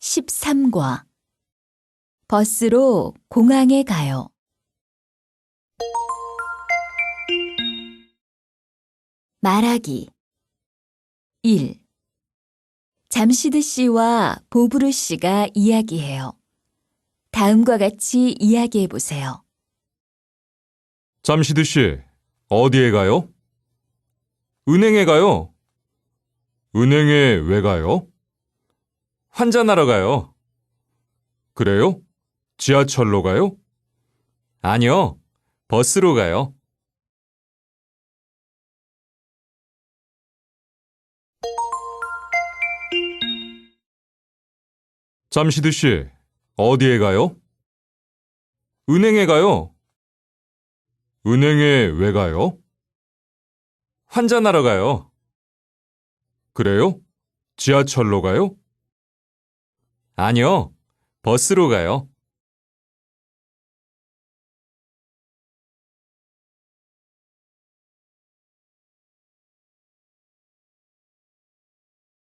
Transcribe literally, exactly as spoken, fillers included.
십삼 과 버스로 공항에 가요. 말하기 일. 잠시드 씨와 보브르 씨가 이야기해요. 다음과 같이 이야기해 보세요. 잠시드 씨, 어디에 가요? 은행에 가요. 은행에 왜 가요? 환전하러 가요. 그래요? 지하철로 가요? 아니요, 버스로 가요. 잠시드 씨, 어디에 가요? 은행에 가요. 은행에 왜 가요? 환전하러 가요. 그래요? 지하철로 가요? 아니요, 버스로 가요.